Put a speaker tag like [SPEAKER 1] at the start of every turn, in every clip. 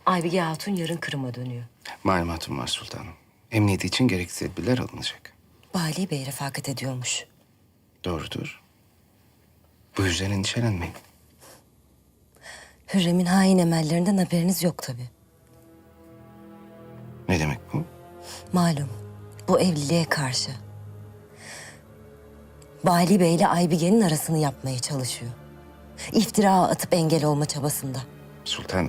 [SPEAKER 1] Aybige Hatun yarın Kırım'a dönüyor.
[SPEAKER 2] Malumatım var sultanım. Emniyeti için gerekli tedbirler alınacak.
[SPEAKER 1] Bali Bey refakat ediyormuş.
[SPEAKER 2] Doğrudur. Bu yüzden endişelenmeyin.
[SPEAKER 1] Hürrem'in hain emellerinden haberiniz yok tabii.
[SPEAKER 2] Ne demek bu?
[SPEAKER 1] Malum bu evliliğe karşı. Bali Bey ile Aybige'nin arasını yapmaya çalışıyor. İftira atıp engel olma çabasında.
[SPEAKER 2] Sultanım.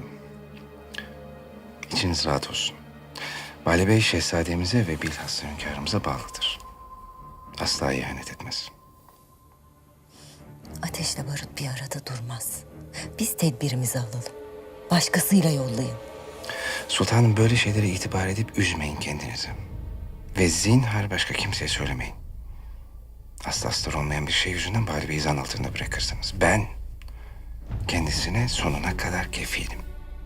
[SPEAKER 2] İçiniz rahat olsun. Vali Bey şehzademize ve bilhassa hünkârımıza bağlıdır. Asla ihanet etmez.
[SPEAKER 1] Ateşle barut bir arada durmaz. Biz tedbirimizi alalım. Başkasıyla yollayın.
[SPEAKER 2] Sultanım böyle şeylere itibar edip üzmeyin kendinizi. Ve zinhar başka kimseye söylemeyin. Aslı astar olmayan bir şey yüzünden Vali Bey'i zan altında bırakırsınız. Ben kendisine sonuna kadar kefilim.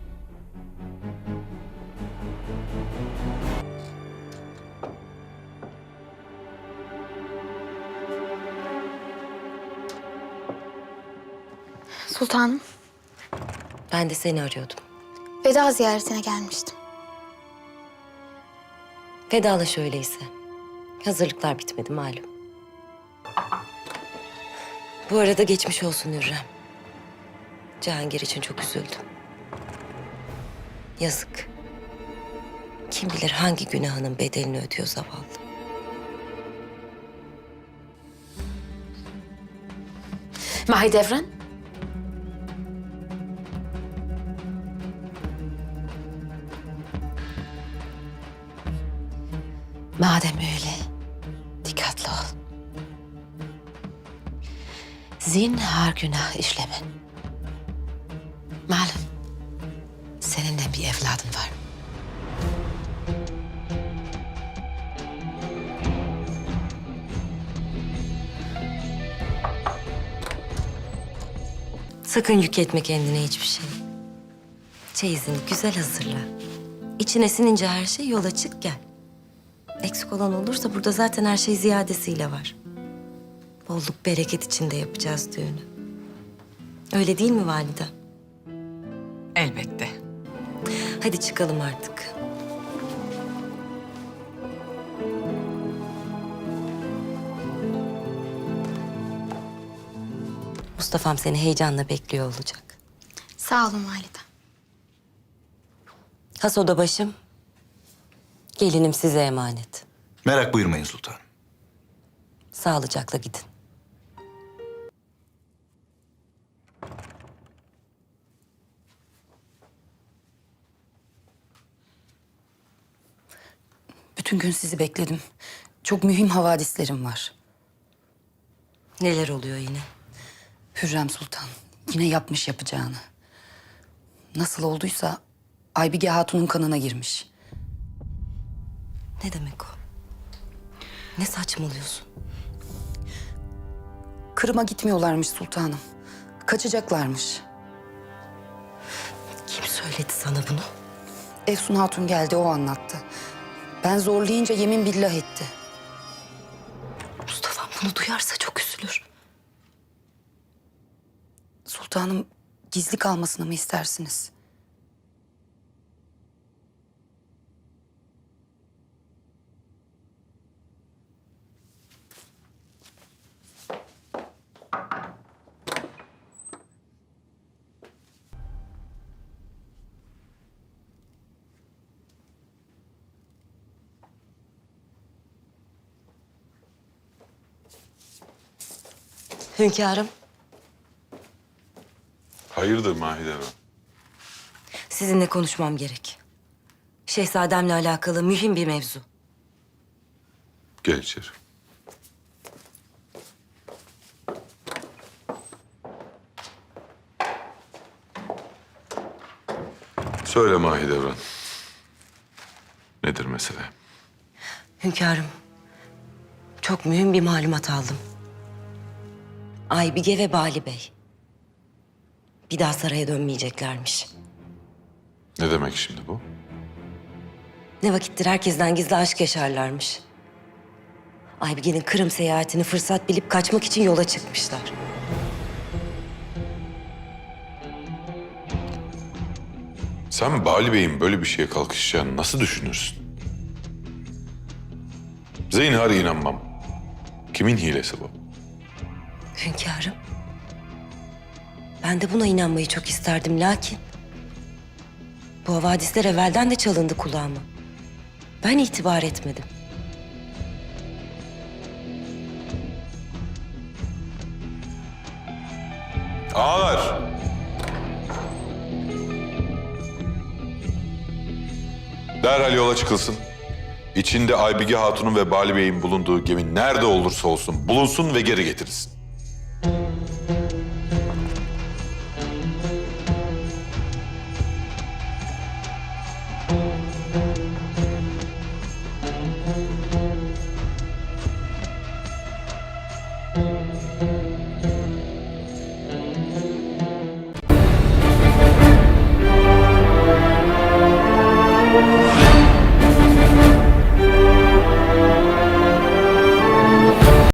[SPEAKER 3] Sultanım,
[SPEAKER 1] Ben de seni arıyordum.
[SPEAKER 3] veda ziyaretine gelmiştim.
[SPEAKER 1] Vedalaş öyleyse. Hazırlıklar bitmedi malum. Bu arada geçmiş olsun Hürrem. Cihangir için çok üzüldüm. Yazık. Kim bilir hangi günahının bedelini ödüyor zavallı.
[SPEAKER 3] Mahidevran, madem öyle, dikkatli ol. Zinhar günah işlemen. Malum, senin de bir evladın var.
[SPEAKER 1] Sakın yük etme kendine hiçbir şey. Çeyizini güzel hazırla. İçine sinince her şey yola çık gel. Eksik olan olursa burada zaten her şey ziyadesiyle var. Bolluk bereket içinde yapacağız düğünü. Öyle değil mi valide?
[SPEAKER 4] Elbette.
[SPEAKER 1] Hadi çıkalım artık. Mustafa'm seni heyecanla bekliyor olacak.
[SPEAKER 3] Sağ olun validem.
[SPEAKER 1] Has oda başım. Gelinim size emanet.
[SPEAKER 5] Merak buyurmayın sultanım.
[SPEAKER 1] Sağlıcakla gidin.
[SPEAKER 6] Bütün gün sizi bekledim. Çok mühim havadislerim var.
[SPEAKER 1] Neler oluyor yine?
[SPEAKER 6] Hürrem Sultan yine yapmış yapacağını. Nasıl olduysa Aybige Hatun'un kanına girmiş.
[SPEAKER 1] Ne demek o? Ne saçmalıyorsun?
[SPEAKER 6] Kırım'a gitmiyorlarmış sultanım. Kaçacaklarmış.
[SPEAKER 1] Kim söyledi sana bunu?
[SPEAKER 6] Efsun Hatun geldi, o anlattı. Ben zorlayınca yemin billah etti.
[SPEAKER 1] Mustafa'm bunu duyarsa çok üzülür.
[SPEAKER 6] Sultanım, gizli kalmasını mı istersiniz?
[SPEAKER 1] Hünkârım,
[SPEAKER 7] Hayırdır Mahidevran?
[SPEAKER 1] sizinle konuşmam gerek. Şehzademle alakalı mühim bir mevzu.
[SPEAKER 7] Gel içeri. Söyle Mahidevran. Nedir mesele?
[SPEAKER 1] Hünkârım, çok mühim bir malumat aldım. Aybige ve Bali Bey bir daha saraya dönmeyeceklermiş.
[SPEAKER 7] Ne demek şimdi bu?
[SPEAKER 1] Ne vakittir herkesten gizli aşk yaşarlarmış. Aybige'nin Kırım seyahatini fırsat bilip kaçmak için yola çıkmışlar.
[SPEAKER 7] Sen Bali Bey'in böyle bir şeye kalkışacağını nasıl düşünürsün? Zinhar inanmam. Kimin hilesi bu?
[SPEAKER 1] Hünkârım. Ben de buna inanmayı çok isterdim lakin... bu havadisler evvelden de çalındı kulağıma. Ben itibar etmedim.
[SPEAKER 7] Ağalar! Derhal yola çıkılsın. İçinde Aybige Hatun'un ve Bali Bey'in bulunduğu gemi nerede olursa olsun bulunsun ve geri getirilsin.